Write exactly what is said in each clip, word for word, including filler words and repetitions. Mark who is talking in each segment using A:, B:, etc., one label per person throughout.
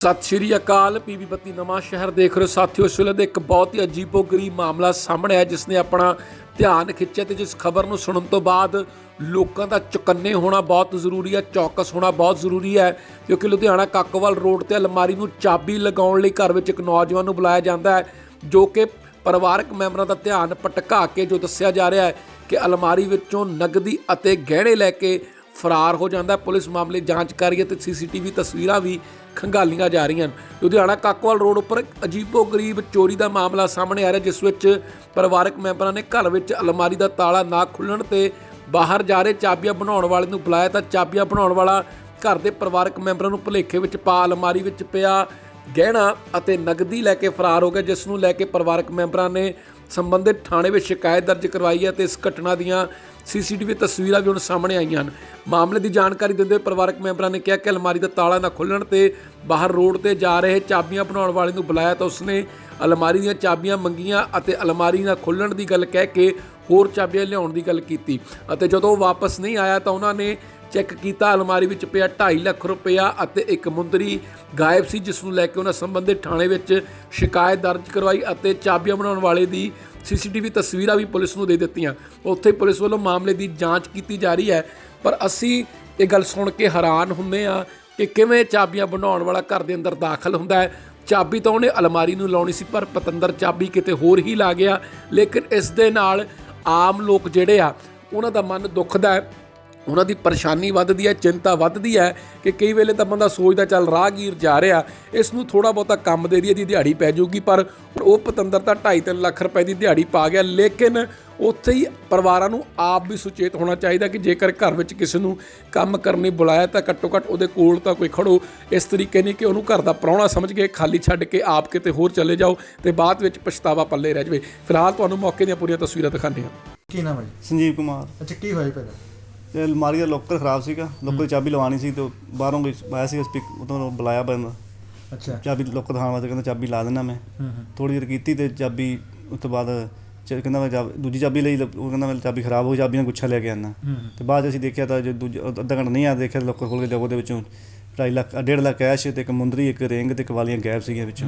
A: ਸਤਿ ਸ਼੍ਰੀ ਅਕਾਲ। ਪੀਬੀ ਬੱਤੀ ਨਵਾਂ ਸ਼ਹਿਰ ਦੇਖ ਰਹੇ ਹੋ ਸਾਥੀਓ। ਇਸ ਵੇਲੇ ਦਾ ਇੱਕ ਬਹੁਤ ਹੀ ਅਜੀਬੋ-ਗਰੀਬ ਮਾਮਲਾ ਸਾਹਮਣੇ ਆਇਆ ਜਿਸ ਨੇ ਆਪਣਾ ਧਿਆਨ ਖਿੱਚਿਆ ਤੇ ਜਿਸ ਖਬਰ ਨੂੰ ਸੁਣਨ ਤੋਂ ਬਾਅਦ ਲੋਕਾਂ ਦਾ ਚੁਕੰਨੇ ਹੋਣਾ ਬਹੁਤ ਜ਼ਰੂਰੀ ਹੈ, ਚੌਕਸ ਹੋਣਾ ਬਹੁਤ ਜ਼ਰੂਰੀ ਹੈ, ਕਿਉਂਕਿ ਲੁਧਿਆਣਾ ਕਾਕੋਵਾਲ ਰੋਡ ਤੇ ਅਲਮਾਰੀ ਨੂੰ ਚਾਬੀ ਲਗਾਉਣ ਲਈ ਘਰ ਵਿੱਚ ਇੱਕ ਨੌਜਵਾਨ ਨੂੰ ਬੁਲਾਇਆ ਜਾਂਦਾ ਹੈ, ਜੋ ਕਿ ਪਰਿਵਾਰਕ ਮੈਂਬਰਾਂ ਦਾ ਧਿਆਨ ਭਟਕਾ ਕੇ ਜੋ ਦੱਸਿਆ ਜਾ ਰਿਹਾ ਹੈ ਕਿ ਅਲਮਾਰੀ ਵਿੱਚੋਂ ਨਗਦੀ ਅਤੇ ਗਹਿਣੇ ਲੈ ਕੇ ਫਰਾਰ ਹੋ ਜਾਂਦਾ। ਪੁਲਿਸ ਮਾਮਲੇ ਜਾਂਚ ਕਰ ਰਹੀ ਹੈ ਤੇ ਸੀਸੀਟੀਵੀ ਤਸਵੀਰਾਂ ਵੀ ਖੰਗਾਲੀਆਂ ਜਾ ਰਹੀਆਂ ਹਨ। ਲੁਧਿਆਣਾ ਕਾਕੋਵਾਲ ਰੋਡ ਉੱਪਰ ਅਜੀਬੋ ਗਰੀਬ ਚੋਰੀ ਦਾ ਮਾਮਲਾ ਸਾਹਮਣੇ ਆ ਰਿਹਾ, ਜਿਸ ਵਿੱਚ ਪਰਿਵਾਰਕ ਮੈਂਬਰਾਂ ਨੇ ਘਰ ਵਿੱਚ ਅਲਮਾਰੀ ਦਾ ਤਾਲਾ ਨਾ ਖੁੱਲ੍ਹਣ ਤੇ ਬਾਹਰ ਜਾ ਰਹੇ ਚਾਬੀਆਂ ਬਣਾਉਣ ਵਾਲੇ ਨੂੰ ਬੁਲਾਇਆ ਤਾਂ ਚਾਬੀਆਂ ਬਣਾਉਣ ਵਾਲਾ ਘਰ ਦੇ ਪਰਿਵਾਰਕ ਮੈਂਬਰਾਂ ਨੂੰ ਭੁਲੇਖੇ ਵਿੱਚ ਪਾ ਅਲਮਾਰੀ ਵਿੱਚ ਪਿਆ ਗਹਿਣਾ ਅਤੇ ਨਗਦੀ ਲੈ ਕੇ ਫਰਾਰ ਹੋ ਗਿਆ, ਜਿਸ ਨੂੰ ਲੈ ਕੇ ਪਰਿਵਾਰਕ ਮੈਂਬਰਾਂ ਨੇ ਸੰਬੰਧਿਤ ਥਾਣੇ ਵਿੱਚ ਸ਼ਿਕਾਇਤ ਦਰਜ ਕਰਵਾਈ ਹੈ ਤੇ ਇਸ ਘਟਨਾ ਦੀਆਂ ਸੀਸੀਟੀਵੀ ਤਸਵੀਰਾਂ ਵੀ ਹੁਣ ਸਾਹਮਣੇ ਆਈਆਂ ਹਨ। ਮਾਮਲੇ ਦੀ ਜਾਣਕਾਰੀ ਦਿੰਦੇ ਹੋਏ ਪਰਿਵਾਰਕ ਮੈਂਬਰਾਂ ਨੇ ਕਿਹਾ ਕਿ ਅਲਮਾਰੀ ਦਾ ਤਾਲਾ ਨਾ ਖੁੱਲ੍ਹਣ ਤੇ ਬਾਹਰ ਰੋਡ ਤੇ ਜਾ ਰਹੇ ਚਾਬੀਆਂ ਬਣਾਉਣ ਵਾਲੇ ਨੂੰ ਬੁਲਾਇਆ ਤਾਂ ਉਸਨੇ ਅਲਮਾਰੀ ਦੀਆਂ ਚਾਬੀਆਂ ਮੰਗੀਆਂ ਅਤੇ ਅਲਮਾਰੀ ਨਾ ਖੁੱਲ੍ਹਣ ਦੀ ਗੱਲ ਕਹਿ ਕੇ ਹੋਰ ਚਾਬੀਆਂ ਲਿਆਉਣ ਦੀ ਗੱਲ ਕੀਤੀ ਅਤੇ ਜਦੋਂ ਉਹ ਵਾਪਸ ਨਹੀਂ ਆਇਆ ਤਾਂ ਉਹਨਾਂ ਨੇ ਚੈੱਕ ਕੀਤਾ, ਅਲਮਾਰੀ ਵਿੱਚ ਪਿਆ ਢਾਈ ਲੱਖ ਰੁਪਇਆ ਅਤੇ ਇੱਕ ਮੁੰਦਰੀ ਗਾਇਬ ਸੀ, ਜਿਸ ਨੂੰ ਲੈ ਕੇ ਉਹਨਾਂ ਸੰਬੰਧਿਤ ਥਾਣੇ ਵਿੱਚ ਸ਼ਿਕਾਇਤ ਦਰਜ ਕਰਵਾਈ ਅਤੇ ਚਾਬੀਆਂ ਬਣਾਉਣ ਵਾਲੇ ਦੀ ਸੀਸੀਟੀਵੀ ਤਸਵੀਰਾਂ ਵੀ ਪੁਲਿਸ ਨੂੰ ਦੇ ਦਿੱਤੀਆਂ। ਉੱਥੇ ਪੁਲਿਸ ਵੱਲੋਂ ਮਾਮਲੇ ਦੀ ਜਾਂਚ ਕੀਤੀ ਜਾ ਰਹੀ ਹੈ, ਪਰ ਅਸੀਂ ਇਹ ਗੱਲ ਸੁਣ ਕੇ ਹੈਰਾਨ ਹੁੰਦੇ ਹਾਂ ਕਿ ਕਿਵੇਂ ਚਾਬੀਆਂ ਬਣਾਉਣ ਵਾਲਾ ਘਰ ਦੇ ਅੰਦਰ ਦਾਖਲ ਹੁੰਦਾ ਹੈ। ਚਾਬੀ ਤਾਂ ਉਹਨੇ ਅਲਮਾਰੀ ਨੂੰ ਲਾਉਣੀ ਸੀ, ਪਰ ਪਤੰਦਰ ਚਾਬੀ ਕਿਤੇ ਹੋਰ ਹੀ ਲਾ ਗਿਆ। ਲੇਕਿਨ ਇਸ ਦੇ ਨਾਲ ਆਮ ਲੋਕ ਜਿਹੜੇ ਆ ਉਹਨਾਂ ਦਾ ਮਨ ਦੁਖਦਾ ਹੈ, ਉਹਨਾਂ ਦੀ ਪਰੇਸ਼ਾਨੀ ਵੱਧਦੀ ਹੈ, ਚਿੰਤਾ ਵੱਧਦੀ ਹੈ ਕਿ ਕਈ ਵੇਲੇ ਤਾਂ ਬੰਦਾ ਸੋਚਦਾ ਚੱਲ ਰਾਹਗੀਰ ਜਾ ਰਿਹਾ, ਇਸ ਨੂੰ ਥੋੜ੍ਹਾ ਬਹੁਤਾ ਕੰਮ ਦੇ ਦੀ ਇਹਦੀ ਦਿਹਾੜੀ ਪੈ ਜਾਊਗੀ, ਪਰ ਉਹ ਪਤੰਦਰ ਤਾਂ ਢਾਈ ਤਿੰਨ ਲੱਖ ਰੁਪਏ ਦੀ ਦਿਹਾੜੀ ਪਾ ਗਿਆ। ਲੇਕਿਨ ਉੱਥੇ ਹੀ ਪਰਿਵਾਰਾਂ ਨੂੰ ਆਪ ਵੀ ਸੁਚੇਤ ਹੋਣਾ ਚਾਹੀਦਾ ਕਿ ਜੇਕਰ ਘਰ ਵਿੱਚ ਕਿਸੇ ਨੂੰ ਕੰਮ ਕਰਨ ਲਈ ਬੁਲਾਇਆ ਤਾਂ ਘੱਟੋ ਘੱਟ ਉਹਦੇ ਕੋਲ ਤਾਂ ਕੋਈ ਖੜੋ। ਇਸ ਤਰੀਕੇ ਨਹੀਂ ਕਿ ਉਹਨੂੰ ਘਰ ਦਾ ਪ੍ਰਾਹੁਣਾ ਸਮਝ ਕੇ ਖਾਲੀ ਛੱਡ ਕੇ ਆਪ ਕਿਤੇ ਹੋਰ ਚਲੇ ਜਾਓ ਤੇ ਬਾਅਦ ਵਿੱਚ ਪਛਤਾਵਾ ਪੱਲੇ ਰਹਿ ਜਾਵੇ। ਫਿਲਹਾਲ ਤੁਹਾਨੂੰ ਮੌਕੇ ਦੀਆਂ ਪੂਰੀਆਂ ਤਸਵੀਰਾਂ ਦਿਖਾਉਂਦੇ ਹਾਂ।
B: ਕੀ ਨਾਮ ਹੈ ਜੀ?
C: ਸੰਜੀਵ ਕੁਮਾਰ।
B: ਅੱਛਾ, ਕੀ ਹੋਇਆ ਪਹਿਲਾਂ?
C: ਤੇ ਅਲਮਾਰੀ ਦਾ ਲੋਕਰ ਖਰਾਬ ਸੀਗਾ, ਲੋਕਰ ਦੀ ਚਾਬੀ ਲਵਾਉਣੀ ਸੀ ਤੇ ਬਾਹਰੋਂ ਕੋਈ ਆਇਆ ਸੀ ਸਪੀਕ ਉਦੋਂ ਬੁਲਾਇਆ ਬੰਦਾ।
B: ਅੱਛਾ,
C: ਚਾਬੀ ਲੋਕਰ ਦਿਖਾਉਣ ਵਾਸਤੇ ਕਹਿੰਦਾ ਚਾਬੀ ਲਾ ਦਿੰਦਾ ਮੈਂ। ਥੋੜ੍ਹੀ ਦੇਰ ਕੀਤੀ ਤੇ ਚਾਬੀ ਉਸ ਤੋਂ ਬਾਅਦ ਚ ਕਹਿੰਦਾ ਮੈਂ ਚਾਬੀ ਦੂਜੀ ਚਾਬੀ ਲਈ, ਉਹ ਕਹਿੰਦਾ ਮੈਂ ਚਾਬੀ ਖਰਾਬ ਹੋ, ਚਾਬੀ ਨਾਲ ਗੁੱਛਾ ਲੈ ਕੇ ਆਉਂਦਾ। ਤੇ ਬਾਅਦ ਅਸੀਂ ਦੇਖਿਆ ਤਾਂ ਜੋ ਦੂਜਾ ਅੱਧਾ ਘੰਟਾ ਨਹੀਂ ਆ ਦੇਖਿਆ ਲੋਕਰ ਖੋਲ੍ਹ ਕੇ ਉਹਦੇ ਵਿੱਚੋਂ ਢਾਈ ਲੱਖ ਡੇਢ ਲੱਖ ਕੈਸ਼ ਤੇ ਇੱਕ ਮੁੰਦਰੀ, ਇੱਕ ਰਿੰਗ ਤੇ ਇੱਕ ਵਾਲੀਆਂ ਗਾਇਬ ਸੀਗੀਆਂ ਵਿੱਚੋਂ।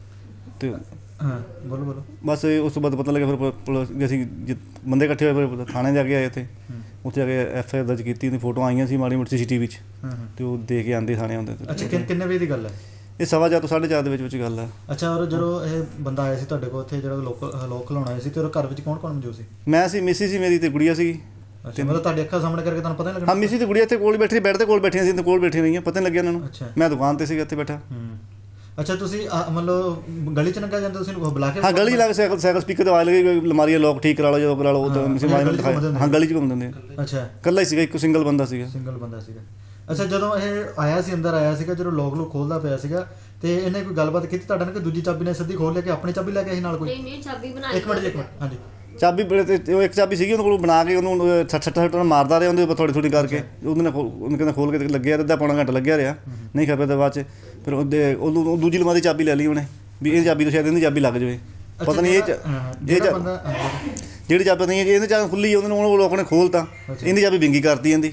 C: ਤੇ
B: ਹਾਂ, ਬੋਲੋ ਬੋਲੋ।
C: ਬਸ ਉਸ ਤੋਂ ਬਾਅਦ ਪਤਾ ਲੱਗਿਆ ਫਿਰ ਪੁਲਿਸ ਅਸੀਂ ਬੰਦੇ ਇਕੱਠੇ ਹੋਏ, ਫਿਰ ਥਾਣੇ ਜਾ ਕੇ ਆਏ ਉੱਥੇ ਉੱਥੇ ਜਾ ਕੇ ਐਫ ਆਈ ਆਰ ਦਰਜ ਕੀਤੀ। ਉਹਦੀ ਫੋਟੋ ਆਈਆਂ ਸੀ ਮਾੜੀ ਮੋਟੀ ਸੀ ਸੀ ਟੀ ਵੀ 'ਚ ਤੇ ਉਹ ਦੇ ਕੇ ਆਉਂਦੇ ਥਾਣੇ ਆਉਂਦੇ।
B: ਅੱਛਾ, ਕਿੰਨੇ ਵਜੇ ਦੀ ਗੱਲ ਹੈ
C: ਇਹ ਸਵਾ ਚਾਰ ਤੋਂ ਸਾਢੇ ਚਾਰ ਦੇ ਵਿੱਚ ਵਿੱਚ ਗੱਲ ਹੈ।
B: ਅੱਛਾ, ਔਰ ਜਦੋਂ ਇਹ ਬੰਦਾ ਆਇਆ ਸੀ ਤੁਹਾਡੇ ਕੋਲ ਉੱਥੇ ਜਿਹੜਾ ਲੋਕ ਲੋਕ ਖਲਾਉਣ ਆਇਆ ਸੀ ਤੇ ਉਹ ਘਰ ਵਿੱਚ ਕੌਣ ਕੌਣ ਮੌਜੂਦ ਸੀ?
C: ਮੈਂ ਸੀ, ਮਿਸੀ ਸੀ ਮੇਰੀ ਤੇ ਗੁੜੀਆ ਸੀਗੀ।
B: ਅੱਛਾ, ਮਤਲਬ ਤੁਹਾਡੀ ਅੱਖਾਂ ਸਾਹਮਣੇ ਕਰਕੇ ਤੁਹਾਨੂੰ ਪਤਾ ਨਹੀਂ ਲੱਗਣਾ?
C: ਹਾਂ, ਮਿਸੀ ਤੇ ਗੁੜੀਆ ਇੱਥੇ ਕੋਲ ਬੈਠੀ, ਬੈੱਡ ਤੇ ਕੋਲ ਬੈਠੀਆਂ ਸੀ ਤੇ ਕੋਲ ਬੈਠੀਆਂ ਰਹੀਆਂ, ਪਤਾ ਨਹੀਂ ਲੱਗਿਆ ਇਹਨਾਂ ਨੂੰ।
B: ਅੱਛਾ,
C: ਮੈਂ ਦੁਕਾਨ ਤੇ ਸੀਗਾ ਇੱਥੇ ਬੈਠਾ।
B: ਅੱਛਾ, ਤੁਸੀਂ ਮਤਲਬ ਗਲੀ 'ਚ ਲੰਘਿਆ ਜਾਂਦੇ, ਤੁਸੀਂ ਬੁਲਾ ਕੇ?
C: ਹਾਂ, ਗਲੀ ਲਾ ਕੇ ਸਾਈਕਲ ਸਾਈਕਲ ਸਪੀਕਰ ਤੇ ਆਵਾਜ਼ ਲੱਗੀ ਅਲਮਾਰੀ ਲੋਕ ਠੀਕ ਕਰਾ ਲਓ, ਜਦੋਂ ਕਰਾ ਲਓ। ਹਾਂ, ਗਲੀ 'ਚ ਘੁੰਮ ਦਿੰਦੇ।
B: ਅੱਛਾ,
C: ਇਕੱਲਾ ਹੀ ਸੀਗਾ, ਇੱਕ ਸਿੰਗਲ ਬੰਦਾ ਸੀਗਾ।
B: ਸਿੰਗਲ ਬੰਦਾ ਸੀਗਾ। ਅੱਛਾ, ਜਦੋਂ ਇਹ ਆਇਆ ਸੀ ਅੰਦਰ ਆਇਆ ਸੀਗਾ, ਜਦੋਂ ਲੋਕ ਲੋਕ ਖੋਲ੍ਹਦਾ ਪਿਆ ਸੀਗਾ ਤੇ ਇਹਨੇ ਕੋਈ ਗੱਲਬਾਤ ਕੀਤੀ ਤੁਹਾਡੇ ਨਾਲ ਕਿ ਦੂਜੀ ਚਾਬੀ ਨੇ ਸਿੱਧੀ ਖੋਲ੍ਹ ਲਿਆ ਕਿ ਆਪਣੀ ਚਾਬੀ ਲੈ ਕੇ ਆਈ ਨਾਲ ਕੋਈ?
D: ਨਹੀਂ ਨਹੀਂ, ਚਾਬੀ ਬਣਾਈ।
B: ਇੱਕ ਮਿੰਟ ਇੱਕ ਮਿੰਟ ਹਾਂਜੀ।
C: ਚਾਬੀ ਉਹ ਇੱਕ ਚਾਬੀ ਸੀਗੀ ਉਹਦੇ ਕੋਲ ਬਣਾ ਕੇ ਉਹਨੂੰ ਸੱਠ ਸੱਠ ਸੱਠ ਮਾਰਦਾ ਰਿਹਾ ਉਹਦੇ ਉੱਪਰ ਥੋੜ੍ਹੀ ਥੋੜ੍ਹੀ ਕਰਕੇ। ਉਹਦੇ ਨਾਲ ਉਹਨੇ ਕਹਿੰਦਾ ਖੋਲ੍ਹ ਕੇ ਲੱਗਿਆ, ਅੱਧਾ ਪੌਣਾ ਘੰਟਾ ਲੱਗਿਆ ਰਿਹਾ, ਨਹੀਂ ਖਪਿਆ ਤਾਂ ਬਾਅਦ 'ਚ ਫਿਰ ਉਹਦੇ ਉਹਨੂੰ ਦੂਜੀ ਅਲਮਾਰੀ ਦੀ ਚਾਬੀ ਲੈ ਲਈ ਉਹਨੇ ਵੀ ਇਹ ਚਾਬੀ ਤੋਂ ਸ਼ਾਇਦ ਇਹਦੀ ਚਾਬੀ ਲੱਗ ਜਾਵੇ। ਪਤਾ ਨਹੀਂ ਇਹ ਇਹ ਜਿਹੜੀ ਚਾਬੀ ਨਹੀਂ ਇਹਨੇ ਚਾਬੀ ਖੁੱਲ੍ਹੀ ਉਹਨੇ ਉਹ ਲੋਕ ਨੇ ਖੋਲ੍ਹਤਾ, ਇਹਦੀ ਚਾਬੀ ਵਿੰਗੀ ਕਰਤੀ ਇਹਦੀ।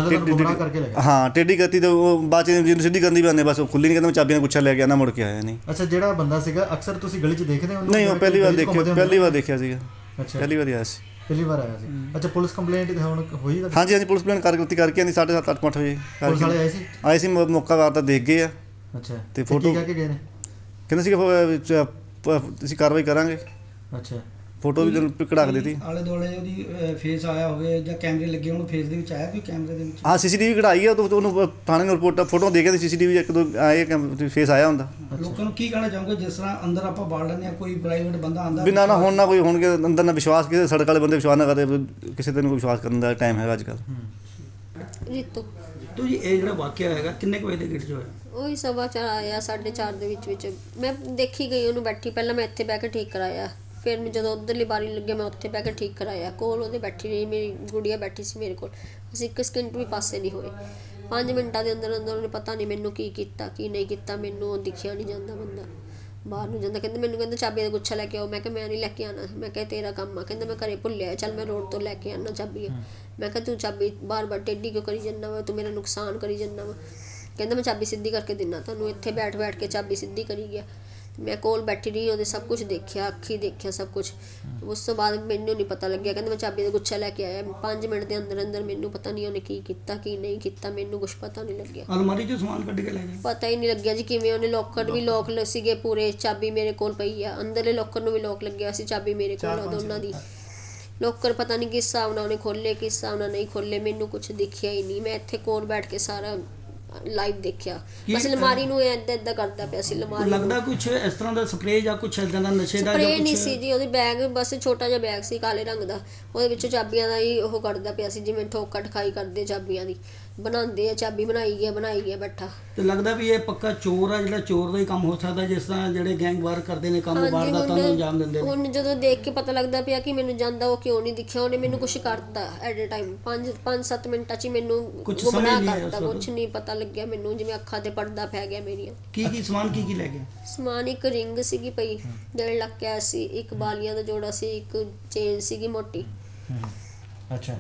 C: ਹਾਂ, ਟੇਢੀ ਕਰਤੀ ਤੇ ਉਹ ਬਾਅਦ 'ਚ ਜਿਹਨੂੰ ਸਿੱਧੀ ਕਰਨੀ ਵੀ ਆਉਂਦੇ ਬਸ ਉਹ ਖੁੱਲ੍ਹੀ ਨਹੀਂ, ਕਹਿੰਦਾ ਮੈਂ ਚਾਬੀਆਂ ਗੁੱਛਾ ਲੈ ਕੇ ਆਉਂਦਾ, ਮੁੜ ਕੇ ਆਇਆ ਨਹੀਂ।
B: ਅੱਛਾ, ਜਿਹੜਾ ਬੰਦਾ ਸੀਗਾ ਅਕਸਰ ਤੁਸੀਂ ਗਲੀ 'ਚ ਦੇਖਦੇ ਹੋ?
C: ਨਹੀਂ, ਉਹ ਪਹਿਲੀ ਵਾਰ ਦੇਖਿਆ, ਪਹਿਲੀ ਵਾਰ ਦੇਖਿਆ ਸੀਗਾ।
B: ਅੱਛਾ,
C: ਪਹਿਲੀ ਵਾਰ ਆਇਆ ਸੀ।
B: ਪਹਿਲੀ ਵਾਰ ਆਇਆ ਸੀ। ਅੱਛਾ, ਪੁਲਿਸ ਕੰਪਲੇਂਟ ਹੁਣ ਹੋਈ?
C: ਹਾਂਜੀ ਹਾਂਜੀ, ਪੁਲਿਸ ਕੰਪਲੇਂਟ ਕਰਕੇ ਕਰਕੇ ਆਉਂਦੀ ਸਾਢੇ ਸੱਤ ਅੱਠ ਅੱਠ ਵਜੇ।
B: ਪੁਲਿਸ ਵਾਲੇ ਆਏ ਸੀ?
C: ਆਏ ਸੀ, ਮੌਕਾ ਵਾਰ ਤਾਂ ਦੇਖ ਗਏ ਆ।
B: ਅੱਛਾ,
C: ਤੇ ਫੋਟੋ
B: ਕਹਿ ਕੇ ਗਏ ਨੇ?
C: ਕਹਿੰਦੇ ਸੀ ਅਸੀਂ ਕਾਰਵਾਈ ਕਰਾਂਗੇ।
B: ਅੱਛਾ,
C: ਫੋਟੋ ਵੀ ਕਢਾ ਕੇ ਦਿੱਤੀ।
E: ਆਲੇ ਦੁਆਲੇ ਉਹਦੀ ਫੇਸ ਆਇਆ ਹੋਵੇ ਜਾਂ ਕੈਮਰੇ ਲੱਗੇ ਹੋਣ, ਫੇਸ ਦੇ ਵਿੱਚ ਆਇਆ ਕੋਈ ਕੈਮਰੇ ਦੇ ਵਿੱਚ?
C: ਹਾਂ, ਸੀਸੀਟੀਵੀ ਕਢਾਈ ਆ, ਉਹਨੂੰ ਥਾਣੇ ਨੂੰ ਰਿਪੋਰਟ ਫੋਟੋ ਦੇ ਕੇ ਸੀਸੀਟੀਵੀ ਇੱਕ ਦੋ ਆਏ ਫੇਸ ਆਇਆ ਹੁੰਦਾ।
E: ਲੋਕਾਂ ਨੂੰ ਕੀ ਕਹਿਣਾ ਚਾਹੋਗੇ ਜਿਸ ਤਰ੍ਹਾਂ ਅੰਦਰ ਆਪਾਂ ਬਾੜ ਲੈਂਦੇ ਹਾਂ, ਕੋਈ ਪ੍ਰਾਈਵੇਟ ਬੰਦਾ ਆਉਂਦਾ
C: ਬਿਨਾਂ ਨਾ ਹੁਣ ਨਾ ਕੋਈ ਹੋਣਗੇ ਅੰਦਰ ਨਾ ਵਿਸ਼ਵਾਸ, ਕਿਸੇ ਸੜਕ ਵਾਲੇ ਬੰਦੇ ਵਿਸ਼ਵਾਸ ਨਾ ਕਰਦੇ, ਕਿਸੇ ਤੇ ਨੂੰ ਕੋਈ ਵਿਸ਼ਵਾਸ ਕਰਨ ਦਾ ਟਾਈਮ ਹੈਗਾ ਅੱਜ ਕੱਲ੍ਹ।
D: ਰੀਤੂ
E: ਤੋ ਜੀ ਇਹ ਜਿਹੜਾ ਵਾਕਿਆ ਹੈਗਾ ਕਿੰਨੇ ਕੁ ਵਜੇ ਦੇ ਗੇਟ 'ਚ ਹੋਇਆ?
D: ਉਹੀ ਸਵਾ ਚਾਰ ਆਇਆ, ਸਾਢੇ ਚਾਰ ਦੇ ਵਿੱਚ ਵਿੱਚ ਮੈਂ ਦੇਖੀ ਗਈ ਉਹਨੂੰ ਬੈਠੀ। ਪਹਿਲਾਂ ਮੈਂ ਇੱਥੇ ਬਹਿ ਕੇ ਠੀਕ ਕਰਾਇਆ, ਫਿਰ ਮੈਂ ਜਦੋਂ ਉੱਧਰਲੀ ਬਾਰੀ ਲੱਗਿਆ ਮੈਂ ਉੱਥੇ ਬਹਿ ਕੇ ਠੀਕ ਕਰਾਇਆ। ਕੋਲ ਉਹਦੇ ਬੈਠੀ ਰਹੀ, ਮੇਰੀ ਗੁੜੀਆ ਬੈਠੀ ਸੀ ਮੇਰੇ ਕੋਲ। ਅਸੀਂ ਇੱਕ ਸਕਿੰਟ ਵੀ ਪਾਸੇ ਨਹੀਂ ਹੋਏ। ਪੰਜ ਮਿੰਟਾਂ ਦੇ ਅੰਦਰ ਅੰਦਰ ਉਹਨੇ ਪਤਾ ਨਹੀਂ ਮੈਨੂੰ ਕੀ ਕੀਤਾ ਕੀ ਨਹੀਂ ਕੀਤਾ, ਮੈਨੂੰ ਉਹ ਦਿਖਿਆ ਨਹੀਂ ਜਾਂਦਾ ਬੰਦਾ। ਬਾਹਰ ਨੂੰ ਜਾਂਦਾ, ਕਹਿੰਦਾ ਮੈਨੂੰ ਕਹਿੰਦਾ ਚਾਬੀ ਦਾ ਗੁੱਛਾ ਲੈ ਕੇ ਆਓ। ਮੈਂ ਕਿਹਾ ਮੈਂ ਨਹੀਂ ਲੈ ਕੇ ਆਉਣਾ। ਮੈਂ ਕਿਹਾ ਤੇਰਾ ਕੰਮ ਆ। ਕਹਿੰਦਾ ਮੈਂ ਘਰੇ ਭੁੱਲਿਆ, ਚੱਲ ਮੈਂ ਰੋਡ ਤੋਂ ਲੈ ਕੇ ਆਉਣਾ ਚਾਬੀ। ਮੈਂ ਕਿਹਾ ਤੂੰ ਚਾਬੀ ਬਾਰ ਬਾਰ ਟੇਢੀ ਕਿਉਂ ਕਰੀ ਜਾਂਦਾ ਵਾ, ਤੂੰ ਮੇਰਾ ਨੁਕਸਾਨ ਕਰੀ ਜਾਂਦਾ ਵਾ। ਕਹਿੰਦਾ ਮੈਂ ਚਾਬੀ ਸਿੱਧੀ ਕਰਕੇ ਦਿੰਨਾ ਤੁਹਾਨੂੰ। ਇੱਥੇ ਬੈਠ ਬੈਠ ਕੇ ਚਾਬੀ ਸਿੱਧੀ ਕਰੀ ਗਿਆ। ਮੈਂ ਕੋਲ ਬੈਠੀ ਰਹੀ, ਉਹਦੇ ਸਭ ਕੁਝ ਦੇਖਿਆ, ਅੱਖੀ ਦੇਖਿਆ ਸਭ ਕੁਝ। ਉਸ ਤੋਂ ਬਾਅਦ ਮੈਨੂੰ ਨਹੀਂ ਪਤਾ ਲੱਗਿਆ। ਕਹਿੰਦਾ ਮੈਂ ਚਾਬੀ ਦਾ ਗੁੱਛਾ ਲੈ ਕੇ ਆਇਆ। ਪੰਜ ਮਿੰਟ ਦੇ ਅੰਦਰ ਅੰਦਰ ਮੈਨੂੰ ਪਤਾ ਨਹੀਂ ਉਹਨੇ ਕੀ ਕੀਤਾ ਕੀ ਨਹੀਂ ਕੀਤਾ, ਮੈਨੂੰ ਕੁਝ ਪਤਾ ਨਹੀਂ ਲੱਗਿਆ।
E: ਅਲਮਾਰੀ 'ਚੋਂ ਸਮਾਨ ਕੱਢ ਕੇ ਲੈ ਗਏ?
D: ਪਤਾ ਹੀ ਨਹੀਂ ਲੱਗਿਆ ਜੀ ਕਿਵੇਂ। ਉਹਨੇ ਲੋਕਰ ਵੀ ਲੋਕ ਸੀਗੇ ਪੂਰੇ, ਚਾਬੀ ਮੇਰੇ ਕੋਲ ਪਈ ਆ। ਅੰਦਰਲੇ ਲੋਕਰ ਨੂੰ ਵੀ ਲੋਕ ਲੱਗਿਆ ਸੀ, ਚਾਬੀ ਮੇਰੇ ਕੋਲ ਆ ਦੋਨਾਂ ਦੀ। ਲੋਕਰ ਪਤਾ ਨਹੀਂ ਕਿਸ ਹਿਸਾਬ ਨਾਲ ਉਹਨੇ ਖੋਲ੍ਹੇ, ਕਿਸ ਹਿਸਾਬ ਨਾਲ ਨਹੀਂ ਖੋਲ੍ਹੇ, ਮੈਨੂੰ ਕੁਝ ਦਿਖਿਆ ਹੀ ਨਹੀਂ। ਮੈਂ ਇੱਥੇ ਕੋਲ ਬੈਠ ਕੇ ਸਾਰਾ ਲਾਈਵ ਦੇਖਿਆ। ਬਸ ਅਲਮਾਰੀ ਨੂੰ ਏਦਾਂ ਏਦਾਂ ਕਰਦਾ ਪਿਆ ਸੀ। ਅਲਮਾਰੀ
E: ਲੱਗਦਾ ਕੁਝ ਇਸ ਤਰ੍ਹਾਂ ਦਾ ਸਪਰੇਅ ਜਾਂ ਕੁਝ ਇਦਾਂ ਦਾ ਨਸ਼ੇ ਦਾ
D: ਸਪਰੇਅ ਨਹੀਂ ਸੀ ਜੀ, ਉਹਦੀ ਬੈਗ ਬਸ ਛੋਟਾ ਜਿਹਾ ਬੈਗ ਸੀ ਕਾਲੇ ਰੰਗ ਦਾ, ਉਹਦੇ ਵਿੱਚੋਂ ਚਾਬੀਆਂ ਦਾ ਹੀ ਉਹ ਕਰਦਾ ਪਿਆ ਸੀ, ਜਿਵੇਂ ਠੋਕਾ ਠਖਾਈ ਕਰਦੇ ਚਾਬੀਆਂ ਦੀ ਬਣਾਉਂਦੇ ਆ। ਚਾਬੀ ਬਣਾਈ ਗਿਆ ਬਣਾਈ ਗਿਆ ਬੈਠਾ। ਤੇ
E: ਲੱਗਦਾ ਵੀ ਇਹ ਪੱਕਾ ਚੋਰ ਆ, ਜਿਹੜਾ ਚੋਰ ਦਾ ਹੀ ਕੰਮ ਹੋ ਸਕਦਾ, ਜਿਸ ਤਰ੍ਹਾਂ ਜਿਹੜੇ ਗੈਂਗ ਵਾਰ ਕਰਦੇ ਨੇ ਕੰਮ, ਵਾਰਦਾਤਾਂ ਨੂੰ ਅੰਜਾਮ ਦਿੰਦੇ ਨੇ।
D: ਹੁਣ ਜਦੋਂ ਦੇਖ ਕੇ ਪਤਾ ਲੱਗਦਾ ਪਿਆ ਕਿ ਮੈਨੂੰ ਜਾਂਦਾ ਉਹ ਕਿਉਂ ਨਹੀਂ ਦਿਖਿਆ। ਉਹਨੇ ਮੈਨੂੰ ਕੁਝ ਕਰਤਾ ਐਟ ਅ ਟਾਈਮ, ਪੰਜ ਪੰਜ ਸੱਤ ਮਿੰਟਾਂ 'ਚ ਹੀ ਮੈਨੂੰ ਗੁੰਮਰਾਹ ਕਰਤਾ। ਕੁਝ ਨਹੀਂ ਪਤਾ ਲੱਗਿਆ ਮੈਨੂੰ, ਜਿਵੇਂ ਅੱਖਾਂ ਤੇ ਪਰਦਾ ਪੈ ਗਿਆ ਮੇਰੀਆਂ।
E: ਕੀ ਕੀ ਸਮਾਨ ਕੀ ਕੀ ਲੈ ਗਿਆ?
D: ਸਮਾਨ ਇੱਕ ਰਿੰਗ ਸੀਗੀ ਪਈ ਡੇਢ ਲੱਖ ਕੈਸ਼ ਸੀ, ਇੱਕ ਬਾਲੀਆਂ ਦਾ ਜੋੜਾ ਸੀ, ਇੱਕ ਚੇਨ ਸੀਗੀ ਮੋਟੀ।
B: ਅੱਛਾ।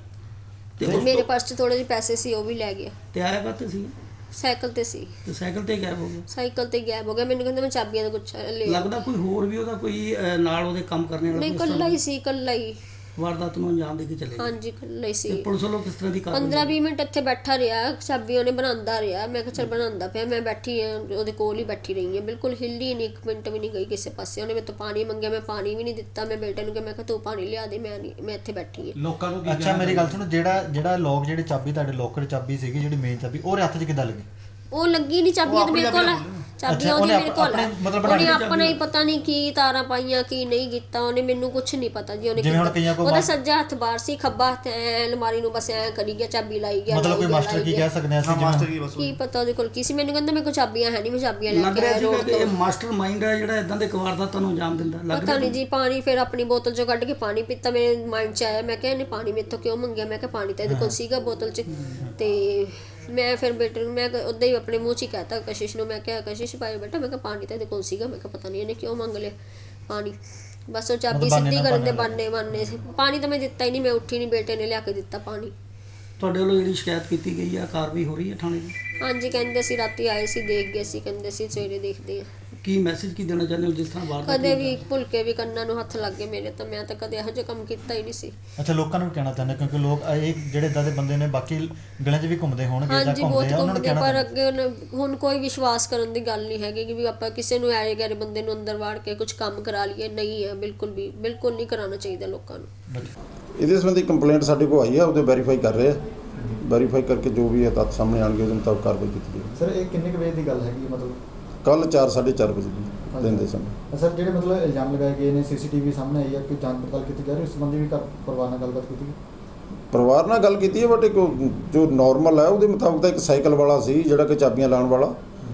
D: ਤੇ ਮੇਰੇ ਪਾਸ 'ਚ ਥੋੜੇ ਜਿਹੇ ਪੈਸੇ ਸੀ, ਉਹ ਵੀ ਲੈ ਗਿਆ।
E: ਤੇ ਆਇਆ ਕਾਹਤੇ ਸੀ?
D: ਸਾਈਕਲ ਤੇ ਸੀ।
E: ਤੇ ਸਾਈਕਲ ਤੇ ਗਾਇਬ ਹੋ ਗਿਆ?
D: ਸਾਈਕਲ ਤੇ ਗਾਇਬ ਹੋ ਗਿਆ। ਮੈਨੂੰ ਕਹਿੰਦਾ ਮੈਂ ਚਾਬੀਆਂ ਦਾ ਗੁੱਛਾ ਲੈ।
E: ਲੱਗਦਾ ਕੋਈ ਹੋਰ ਵੀ ਉਹਦਾ ਕੋਈ ਅਹ, ਨਾਲ ਉਹਦੇ ਕੰਮ ਕਰਨੇ ਵਾਲਾ
D: ਨਹੀਂ, ਇਕੱਲਾ ਹੀ ਸੀ, ਇਕੱਲਾ ਹੀ।
E: ਵਾਰਦਾਤ ਨੂੰ ਅੰਜਾਮ ਦੇ ਕੇ ਚਲੇ ਗਏ?
D: ਹਾਂਜੀ, ਇਕੱਲਾ ਹੀ ਸੀ।
E: ਤੇ ਪੁਲਿਸ ਵੱਲੋਂ ਕਿਸ ਤਰ੍ਹਾਂ ਦੀ ਕਾਰਵਾਈ?
D: ਪੰਦਰਾਂ ਵੀਹ ਮਿੰਟ ਇੱਥੇ ਬੈਠਾ ਰਿਹਾ, ਚਾਬੀ ਉਹਨੇ ਬਣਾਉਂਦਾ ਰਿਹਾ। ਮੈਂ ਕਿਹਾ ਚੱਲ ਬਣਾਉਂਦਾ ਪਿਆ, ਮੈਂ ਬੈਠੀ ਹਾਂ ਉਹਦੇ ਕੋਲ ਹੀ ਬੈਠੀ ਰਹੀ ਹਾਂ, ਬਿਲਕੁਲ ਹਿੱਲੀ ਨਹੀਂ, ਇੱਕ ਮਿੰਟ ਵੀ ਨਹੀਂ ਗਈ ਕਿਸੇ ਪਾਸੇ। ਉਹਨੇ ਮੇਰੇ ਤੋਂ ਪਾਣੀ ਮੰਗਿਆ, ਮੈਂ ਪਾਣੀ ਵੀ ਨਹੀਂ ਦਿੱਤਾ। ਮੈਂ ਬੇਟੇ ਨੂੰ ਕਿਹਾ, ਮੈਂ ਕਿਹਾ ਤੂੰ ਪਾਣੀ ਲਿਆ ਦੇ, ਮੈਂ ਨਹੀਂ, ਮੈਂ ਇੱਥੇ ਬੈਠੀ ਹਾਂ।
F: ਲੋਕਾਂ ਨੂੰ ਕੀ
B: ਅੱਛਾ, ਮੇਰੀ ਗੱਲ ਸੁਣੋ, ਜਿਹੜਾ ਜਿਹੜਾ ਲੋਕ ਜਿਹੜੀ ਚਾਬੀ ਤੁਹਾਡੇ ਲੋਕਰ ਚਾਬੀ ਸੀਗੀ, ਜਿਹੜੀ ਮੇਨ ਚਾਬੀ, ਉਹਦੇ ਹੱਥ 'ਚ ਕਿੱਦਾਂ ਲੱਗੀ?
D: ਉਹ ਲੱਗੀ ਨਹੀਂ ਚਾਬੀ, ਉਹਦੇ ਮੇਰੇ ਕੋਲ ਆ। ਚਾਬੀਆਂ ਉਹਦੀ ਮੇਰੇ ਕੋਲ ਆ। ਉਹਨੇ ਆਪਣਾ ਹੀ ਪਤਾ ਨਹੀਂ ਕੀ ਤਾਰਾਂ ਪਾਈਆਂ ਕੀ ਨਹੀਂ ਕੀਤਾ, ਉਹਨੇ ਮੈਨੂੰ ਕੁਝ ਨਹੀਂ ਪਤਾ ਜੀ ਉਹਨੇ ਕੀਤਾ। ਉਹਦਾ ਸੱਜਾ ਹੱਥ ਬਾਹਰ ਸੀ, ਖੱਬਾ ਹੱਥ ਐ ਅਲਮਾਰੀ ਨੂੰ ਬਸ ਐ ਕਰੀ ਗਿਆ, ਚਾਬੀ ਲਾਈ ਗਿਆ।
B: ਮਤਲਬ ਕੋਈ ਮਾਸਟਰ ਕੀ ਕਹਿ ਸਕਦੇ ਆ ਅਸੀਂ?
C: ਮਾਸਟਰ ਕੀ ਬਸ
D: ਕੀ ਪਤਾ ਉਹਦੇ ਕੋਲ ਕੀ ਸੀ। ਮੈਨੂੰ ਕਹਿੰਦਾ ਮੇਰੇ ਕੋਲ ਚਾਬੀਆਂ ਹੈ ਨਹੀਂ, ਮੈਂ ਚਾਬੀਆਂ ਲੈ
E: ਲੱਗ
D: ਕੇ
E: ਰਿਹਾ
D: ਆਇਆ
E: ਸੀ
D: ਰੋਡ
E: ਕਿ ਇਹ
D: ਤੋਂ।
E: ਮਾਸਟਰ ਮਾਈਂਡ ਹੈ ਜਿਹੜਾ ਇਦਾਂ ਦੇ ਵਾਰਦਾਤਾਂ ਨੂੰ ਅੰਜਾਮ ਦਿੰਦਾ। ਲੱਗ
D: ਪਤਾ ਨਹੀਂ ਜੀ। ਪਾਣੀ ਫਿਰ ਆਪਣੀ ਬੋਤਲ ਚੋਂ ਕੱਢ ਕੇ ਪਾਣੀ ਪੀਤਾ, ਮੇਰੇ ਮਾਈਂਡ 'ਚ ਆਇਆ। ਮੈਂ ਕਿਹਾ ਇਹਨੇ ਪਾਣੀ ਮੇਰੇ ਤੋਂ ਕਿਉਂ ਮੰਗਿਆ? ਮੈਂ ਕਿਹਾ ਪਾਣੀ ਤਾਂ ਇਹਦੇ ਕੋਲ ਸੀਗਾ ਬੋਤਲ 'ਚ। ਤੇ ਮੈਂ ਫਿਰ ਬੇਟੇ ਨੂੰ ਮੈਂ ਉੱਦਾਂ ਹੀ ਆਪਣੇ ਮੂੰਹ 'ਚ ਹੀ ਕਹਿਤਾ ਕਸ਼ਿਸ਼ ਨੂੰ। ਮੈਂ ਕਿਹਾ ਕਸ਼ਿਸ਼ ਭਾਈ ਬੇਟਾ, ਮੈਂ ਕਿਹਾ ਪਾਣੀ ਤਾਂ ਇਹਦੇ ਕੋਲ ਸੀਗਾ। ਮੈਂ ਕਿਹਾ ਪਤਾ ਨਹੀਂ ਇਹਨੇ ਕਿਉਂ ਮੰਗ ਲਿਆ ਪਾਣੀ। ਬਸ ਉਹ ਚਾਬੀ ਸਿੱਧੀ ਕਰਨ ਦੇ ਬਾਨੇ ਬਾਨੇ ਸੀ। ਪਾਣੀ ਤਾਂ ਮੈਂ ਦਿੱਤਾ ਹੀ ਨਹੀਂ, ਮੈਂ ਉੱਠੀ ਨਹੀਂ, ਬੇਟੇ ਨੇ ਲਿਆ ਕੇ ਦਿੱਤਾ ਪਾਣੀ।
E: ਤੁਹਾਡੇ ਵੱਲੋਂ ਜਿਹੜੀ ਸ਼ਿਕਾਇਤ ਕੀਤੀ ਗਈ ਆ, ਕਾਰਵਾਈ ਹੋ ਰਹੀ ਹੈ ਥਾਣੇ ਦੀ?
D: ਹਾਂਜੀ, ਕਹਿੰਦੇ ਸੀ ਰਾਤੀ ਆਏ ਸੀ, ਦੇਖ ਗਏ ਸੀ, ਕਹਿੰਦੇ ਸੀ ਸਵੇਰੇ ਦੇਖਦੇ ਆ।
E: ਕੀ ਮੈਸੇਜ ਕੀ ਦੇਣਾ ਚਾਹੁੰਦੇ ਹੋ ਜਿਸ ਤਰ੍ਹਾਂ ਵਾਰਦਾਤ?
D: ਕਦੇ ਵੀ ਭੁੱਲ ਕੇ ਵੀ ਕੰਨਾਂ ਨੂੰ ਹੱਥ ਲੱਗ ਗਏ ਮੇਰੇ, ਤਾਂ ਮੈਂ ਤਾਂ ਕਦੇ ਇਹੋ ਜਿਹਾ ਕੰਮ ਕੀਤਾ ਹੀ ਨਹੀਂ ਸੀ।
B: ਅੱਛਾ, ਲੋਕਾਂ ਨੂੰ ਕਹਿਣਾ ਚਾਹੁੰਦੇ ਕਿਉਂਕਿ ਲੋਕ ਇਹ ਜਿਹੜੇ ਇਦਾਂ ਦੇ ਬੰਦੇ ਨੇ ਬਾਕੀ ਗਲੀਆਂ 'ਚ ਵੀ ਘੁੰਮਦੇ ਹੋਣਗੇ ਜਾਂ
D: ਹਾਂਜੀ, ਬਹੁਤ
B: ਘੁੰਮਦੇ ਆ, ਉਹਨਾਂ ਨੂੰ
D: ਘੁੰਮਦੇ,
B: ਕਹਿਣਾ
D: ਪਰ ਅੱਗੇ ਹੁਣ- ਹੁਣ ਕੋਈ ਵਿਸ਼ਵਾਸ ਕਰਨ ਦੀ ਗੱਲ ਨਹੀਂ ਹੈਗੀ ਕਿ ਵੀ ਆਪਾਂ ਕਿਸੇ ਨੂੰ ਐਰੇ ਗੈਰੇ ਬੰਦੇ ਨੂੰ ਅੰਦਰ ਵਾੜ ਕੇ ਕੁਝ ਕੰਮ ਕਰਾ ਲਈਏ। ਨਹੀਂ ਹੈ, ਬਿਲਕੁਲ ਵੀ ਬਿਲਕੁਲ ਨਹੀਂ ਕਰਾਉਣਾ ਚਾਹੀਦਾ ਲੋਕਾਂ ਨੂੰ।
G: ਇਹਦੇ ਸੰਬੰਧੀ ਕੰਪਲੇਂਟ ਸਾਡੇ ਕੋਲ ਆਈ ਹੈ, ਉਹਦੇ ਵੈਰੀਫਾਈ ਕਰ ਰਹੇ ਆ। ਵੈਰੀਫਾਈ ਕਰਕੇ ਜੋ ਵੀ ਹੈ ਤੱਥ ਸਾਹਮਣੇ ਆਉਣਗੇ ਉਹਦੇ ਮੁਤਾਬਕ ਕਾਰਵਾਈ ਕੀਤੀ ਜਾਵੇਗੀ।
B: ਸਰ, ਇਹ ਕਿੰਨੇ ਕੁ ਵਜੇ ਦੀ ਗੱਲ ਹੈਗੀ? ਮਤਲਬ
G: ਕੱਲ ਚਾਰ ਸਾਢੇ ਚਾਰ ਵਜੇ ਦੀ ਦਿਨ ਦੇ ਸਮੇਂ।
B: ਸਰ, ਜਿਹੜੇ ਮਤਲਬ ਇਲਜ਼ਾਮ ਲਗਾਏ ਗਏ ਨੇ, ਸੀਸੀਟੀਵੀ ਸਾਹਮਣੇ ਆਈ ਹੈ ਕਿ ਜਾਂਚ ਪੜਤਾਲ ਕੀਤੀ ਜਾ ਰਹੀ, ਉਸ ਸੰਬੰਧੀ ਵੀ ਘਰ ਪਰਿਵਾਰ ਨਾਲ ਗੱਲਬਾਤ ਕੀਤੀ ਗਈ?
G: ਪਰਿਵਾਰ ਨਾਲ ਗੱਲ ਕੀਤੀ ਹੈ, ਬਟ ਇੱਕ ਜੋ ਨਾਰਮਲ ਹੈ ਉਹਦੇ ਮੁਤਾਬਕ ਤਾਂ ਇੱਕ ਸਾਈਕਲ ਵਾਲਾ ਸੀ ਜਿਹੜਾ ਕਿ ਚਾਬੀਆਂ ਲਾਉਣ ਵਾਲਾ।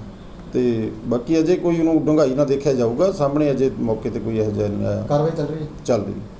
G: ਤੇ ਬਾਕੀ ਅਜੇ ਕੋਈ ਉਹਨੂੰ ਡੂੰਘਾਈ ਨਾਲ ਦੇਖਿਆ ਜਾਊਗਾ। ਸਾਹਮਣੇ ਅਜੇ ਮੌਕੇ ਤੇ ਕੋਈ ਇਹੋ ਜਿਹਾ ਨਹੀਂ ਆਇਆ।
B: ਕਾਰਵਾਈ ਚੱਲ ਰਹੀ ਹੈ?
G: ਚੱਲ ਰਹੀ ਹੈ।